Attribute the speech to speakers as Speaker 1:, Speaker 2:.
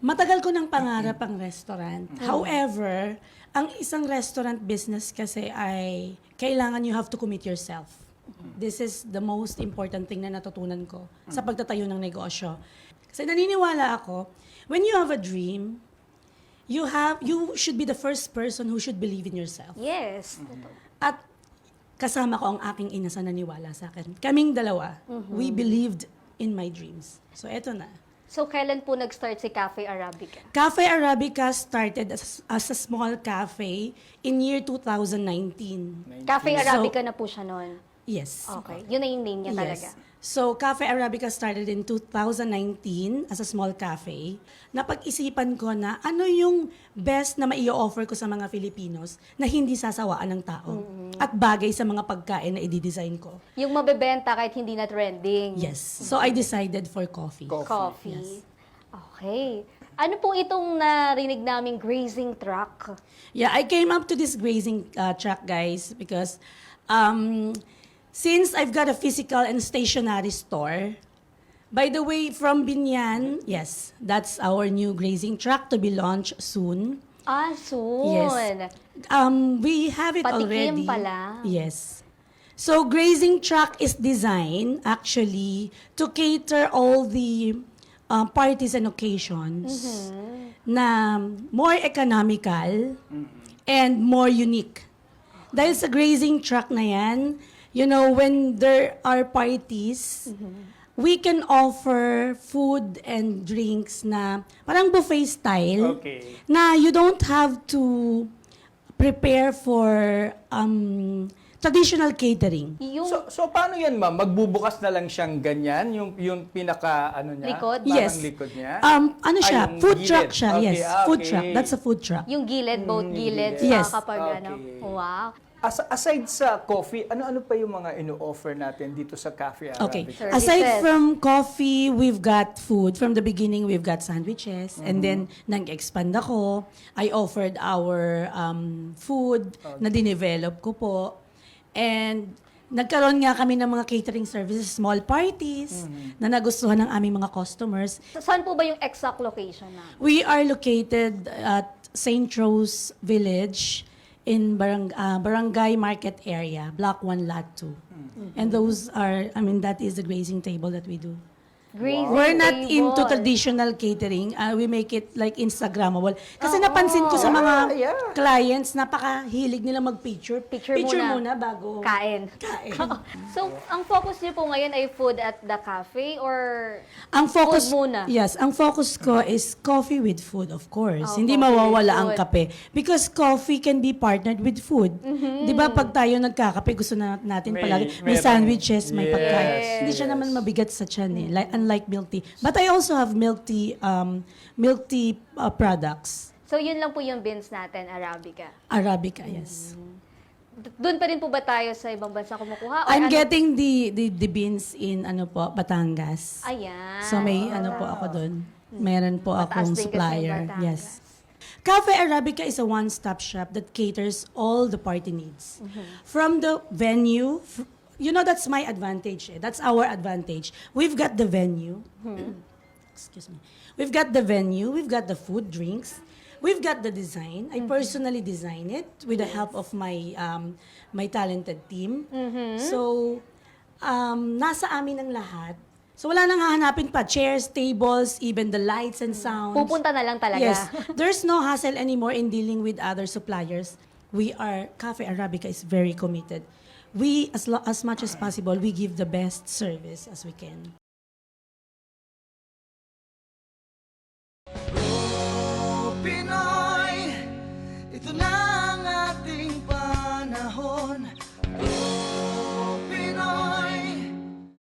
Speaker 1: Matagal ko ng pangarap ang restaurant. However, ang isang restaurant business kasi ay kailangan you have to commit yourself. This is the most important thing na natutunan ko sa pagtatayo ng negosyo. Kasi naniniwala ako, when you have a dream, you should be the first person who should believe in yourself.
Speaker 2: Yes.
Speaker 1: At kasama ko ang aking ina sa naniwala sa akin. Kaming dalawa, we believed in my dreams. So eto na.
Speaker 2: So, kailan po nag-start si Cafe Arabica?
Speaker 1: Cafe Arabica started as a small cafe in year 2019.
Speaker 2: Cafe Arabica na po siya noon.
Speaker 1: Yes.
Speaker 2: Okay. Yun na yung name niya talaga.
Speaker 1: So, Cafe Arabica started in 2019 as a small cafe. Napag-isipan ko na ano yung best na mai-offer ko sa mga Filipinos na hindi sasawaan ng tao at bagay sa mga pagkain na i-design ko.
Speaker 2: Yung mabebenta kahit hindi na trending.
Speaker 1: Yes. So, I decided for coffee.
Speaker 2: Coffee.
Speaker 1: Yes.
Speaker 2: Okay. Ano po itong narinig naming grazing truck?
Speaker 1: Yeah, I came up to this grazing truck, guys, because since I've got a physical and stationary store, by the way, from Binyan, yes, that's our new grazing truck to be launched soon.
Speaker 2: Ah, soon.
Speaker 1: Yes. We have it
Speaker 2: Patikim
Speaker 1: already.
Speaker 2: pala.
Speaker 1: Yes. So, grazing truck is designed actually to cater all the parties and occasions na more economical and more unique. Dahil sa grazing truck na yan, you know, when there are parties, we can offer food and drinks na parang buffet style.
Speaker 3: Okay.
Speaker 1: Na you don't have to prepare for traditional catering.
Speaker 2: Yung
Speaker 3: So paano yan, ma'am? Magbubukas na lang siyang ganyan? Yung pinaka, ano niya?
Speaker 2: Likod?
Speaker 3: Parang
Speaker 1: Yes.
Speaker 3: likod niya?
Speaker 1: Ano siya?
Speaker 3: yung
Speaker 1: Food
Speaker 3: gilid.
Speaker 1: truck siya.
Speaker 3: Okay,
Speaker 1: Yes,
Speaker 3: ah,
Speaker 1: food
Speaker 3: okay.
Speaker 1: truck. That's a food truck.
Speaker 2: yung gilid, both gilid,
Speaker 1: Yes.
Speaker 2: kapag ano.
Speaker 3: Okay.
Speaker 2: Wow.
Speaker 3: Aside sa coffee, ano-ano pa yung mga ino-offer natin dito sa Cafe
Speaker 1: Okay.
Speaker 3: Arabica?
Speaker 2: Services.
Speaker 1: Aside from coffee, we've got food. From the beginning, we've got sandwiches. And then, nag-expand ako. I offered our food na dinevelop ko po. And nagkaroon nga kami ng mga catering services, small parties, na nagustuhan ng aming mga customers.
Speaker 2: Saan po ba yung exact location na?
Speaker 1: We are located at St. Rose Village in Barangay Market Area, Block 1, Lot 2. And those are, that is the grazing table that we do.
Speaker 2: Grazing
Speaker 1: We're not
Speaker 2: table.
Speaker 1: into traditional catering. We make it like Instagrammable. Kasi napansin ko sa mga
Speaker 3: Yeah.
Speaker 1: clients, napakahilig nila mag-picture.
Speaker 2: Picture muna.
Speaker 1: bago
Speaker 2: Kain.
Speaker 1: kain.
Speaker 2: So, ang focus niyo po ngayon ay food at the cafe or
Speaker 1: Ang focus,
Speaker 2: food muna?
Speaker 1: yes, ang focus ko is coffee with food, of course.
Speaker 2: Oh,
Speaker 1: Hindi
Speaker 2: coffee with
Speaker 1: mawawala ang
Speaker 2: food.
Speaker 1: kape. Because coffee can be partnered with food. Di ba pag tayo nagkakape, gusto na natin palagi, may
Speaker 3: merong-
Speaker 1: sandwiches, may
Speaker 3: Yes,
Speaker 1: pagkain.
Speaker 3: yes.
Speaker 1: Hindi siya naman mabigat sa tiyan eh, unlike milk tea. But I also have milk tea products.
Speaker 2: So, yun lang po yung beans natin, Arabica.
Speaker 1: Arabica, yes.
Speaker 2: Doon pa rin po ba tayo sa ibang bansa kumukuha? Or
Speaker 1: I'm
Speaker 2: ano?
Speaker 1: getting the beans in Batangas.
Speaker 2: Ayan.
Speaker 1: So may ako doon. Meron po
Speaker 2: Mataas
Speaker 1: akong
Speaker 2: din kasi
Speaker 1: supplier.
Speaker 2: Batangas.
Speaker 1: Yes. Cafe Arabica is a one-stop shop that caters all the party needs. From the venue, that's my advantage. That's our advantage. We've got the venue. Excuse me. We've got the venue. We've got the food, drinks. We've got the design. I personally design it with the help of my my talented team. So, nasa amin ang lahat. So, wala nang hahanapin pa. Chairs, tables, even the lights and sounds.
Speaker 2: Pupunta na lang talaga.
Speaker 1: Yes. There's no hassle anymore in dealing with other suppliers. Cafe Arabica is very committed. We, as much as possible, we give the best service as we can.
Speaker 4: Pinoy, ito na